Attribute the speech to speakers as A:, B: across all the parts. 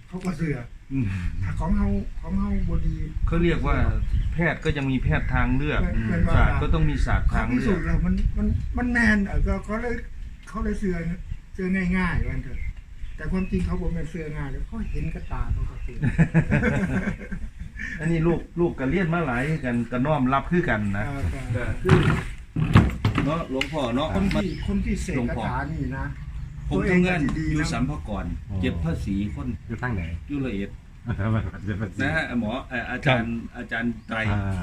A: เขาก็เสือ
B: อืม
A: ถ้าของเฮาบดี
B: เขาเรียกว่าแพทย์ก็ยังมีแพทย์ทางเลือก
A: เป็นว่า
B: ศาสตร์ก็ต้องมีศาสตร์
A: เขา
B: ทาง
A: พิ
B: เลื
A: สู
B: อ
A: จ
B: ก
A: น์แล้วมันแมนก็เขาเลยเสือง่ายๆวันเถอะแต่ความจริงเขาบอกมันเสือง่ายแล้วเขาเห็นกระตาเขาก็เสือ
B: อันนี้ลูกกันเลียนมาหลายกันก็น้อมรับคือกันนะ
A: ก็
B: ก็คือเนาะหลวงพ่อเนาะ
A: คนที่เสกคาถานี่นะ
B: ผมทำงานอยู่สัมภากรเก็บภาษีคน
C: อยู่ตั้งไหน
B: อยู่ละเอียด
C: นะ
B: นะฮะหมออาจารย์ไตร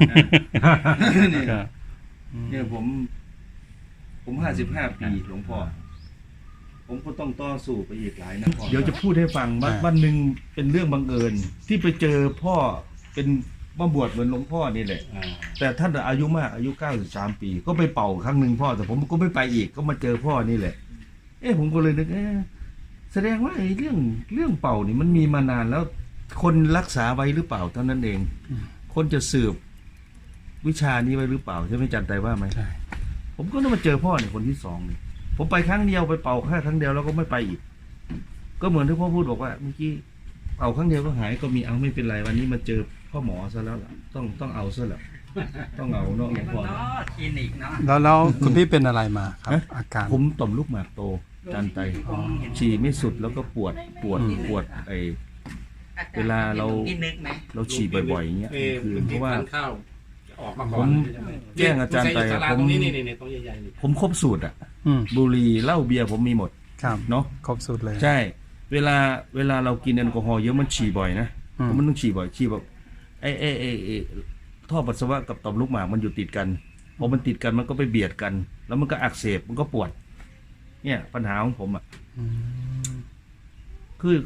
B: เนี่ยผม55 ปีหลวงพ่อผมก็ต้องต่อสู้ไปอีกหลายนะเดี๋ยวจะพูดให้ฟังวันหนึ่งเป็นเรื่องบังเอิญที่ไปเจอพ่อเป็นมาบวชเหมือนหลวงพ่อนี่แหละแต่ท่านอายุมากอายุ93 ปีก็ไปเป่าครั้งหนึ่งพ่อแต่ผมก็ไม่ไปอีกก็มาเจอพ่อนี่แหละผมก็เลยนึกแสดงว่าไอ้เรื่องเป่านี่มันมีมานานแล้วคนรักษาไว้หรือเปล่าเท่านั้นเองคนจะสืบวิชานี้ไว้หรือเปล่าใช่ไหมจันไตว่าไหมผมก็ต้องมาเจอพ่อเนี่ยคนที่สองนี่ผมไปครั้งเดียวไปเป่าแค่ครั้งเดียวแล้วก็ไม่ไปอีกก็เหมือนที่พ่อพูดบอกว่าเมื่อกี้เป่าครั้งเดียวก็หายก็มีเอาไม่เป็นไรวันนี้มาเจอพ่อหมอซะแล้วล่ะต้องเอาซะแล้วต้องเอาเนาะหลวงพ่อ
D: คลินิกเนาะ
C: แล้วคุณพี่เป็นอะไรมาครับ อาการ
B: ผมต่อมลูกหมากโตจันไตฉี่ไม่สุดแล้วก็ปวดไอเวลาเราฉี่บ่อยๆอย่างเงี้ยคือเพราะว่า
E: ข้าวออกมาก่
B: ผ
E: อน
B: มแจ้งอาจารย์ไป
E: ตรงนี้นี่ตรงใหญ่ๆนี่
B: ผมครบสูตรอ่ะ
C: อืม
B: บุหรี่เหล้าเบียร์ผมมีหมด
C: ครับ
B: เนาะ
C: ครบสุดเลย
B: ใช่ เวลาเรากินแอลกอฮอล์เยอะมันฉี่บ่อยนะเพราะมันต้องฉี่บ่อยฉี่แบบไอท่อปัสสาวะกับต่อมลูกหมากมันอยู่ติดกันพอมันติดกันมันก็ไปเบียดกัน แล้วมันก็อักเสบมันก็ปวด เนี่ยปัญหาของผมอ่ะ
C: อืม
B: คือ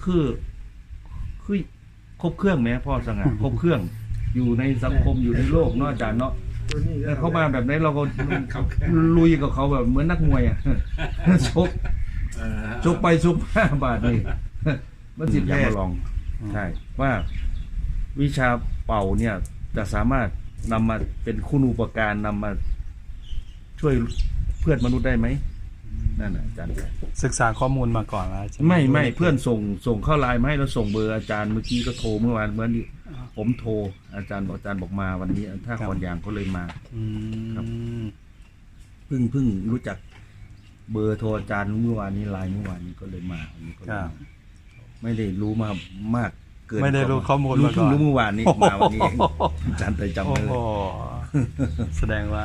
B: ครบเครื่องไหมพ่อสง่าครบเครื่องอยู่ในสังคมอยู่ในโลกเนาะอาจารย์เนาะ
A: ตัวนี้
B: แต่เขามาแบบนี้เราก็ลุยกับเขาแบบเหมือนนักมวยอ่ะ ชกไปชกมาบาทนี่มันสิแพ้ลองใช่ว่าวิชาเป่าเนี่ยจะสามารถนำมาเป็นคุณูปการนำมาช่วยเพื่อนมนุษย์ได้ไหมนั่นนะอาจารย์
C: ศึกษาข้อมูลมาก่อนแล้วใช่ไหม
B: ไม่เพื่อนส่งเข้าไลน์มาให้เราส่งเบอร์อาจารย์เมื่อกี้ก็โทรเมื่อวานเมื่อนี้ผมโทรอาจารย์บอกมาวันนี้ถ้าคอนยางก็เลยมา
C: อืม
B: เพิ่งรู้จักเบอร์โทรอาจารย์เมื่อวานนี้ไลน์เมื่อวานนี้ก็เลยมาวันนี้ก็เลยมาไม่ได้รู้มามากเกิน
C: ไม่ได้รู้ข้อมูล
B: รู้
C: มาก่อน
B: รู้เมื่อวานนี้มาวันนี้เองอาจารย์ใจจำ
C: โอ้
B: ได้เล
C: โห
B: ย
C: แสดงว่า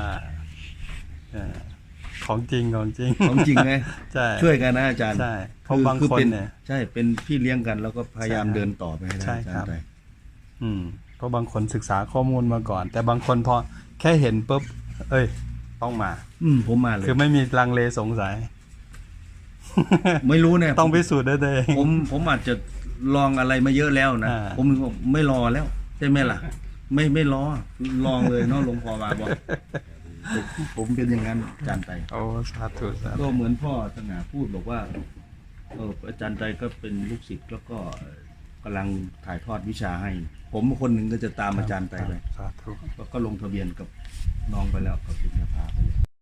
C: ของจริง
B: ของจริงไง
C: ใช่
B: ช่วยกันนะอาจารย์
C: ใช่เพราะบาง
B: คือ
C: คน
B: เป็น
C: เนี่ย
B: ใช่เป็นพี่เลี้ยงกันแล้วก็พยายาม
C: ใช่
B: เดินต่อไปให้ได้
C: ใช่
B: อาจาร
C: ครับ
B: ย์ใจ
C: เพราะบางคนศึกษาข้อมูลมาก่อน แต่บางคนพอแค่เห็นปุ๊บต้องมา
B: ผมมาเลย
C: คือไม่มีลังเลสงสัย
B: ไม่รู้เนี่ย
C: ต้องพิสูจน์ได้ตัวเอง
B: ผมอาจจะลองอะไรมาเยอะแล้วนะ
C: อ่า
B: ผมไม่รอแล้วใช่ไหมล่ะ ไม่รอลองเลยเนาะหลวงพ่อมาบอกผมเป็นอย่างนั้นอาจารย์ไต
C: โอ้สาธุสาธุ
B: ก็เหมือนพ่อสง่าพูดบอกว่าอาจารย์ไตก็เป็นลูกศิษย์แล้วก็กำลังถ่ายทอดวิชาให้ ผมคนหนึ่งก็จะตามอาจารย์ไตไป
C: สาธุ
B: ก็ลงทะเบียนกับน้องไปแล้วกับปริญญาภาไปเลย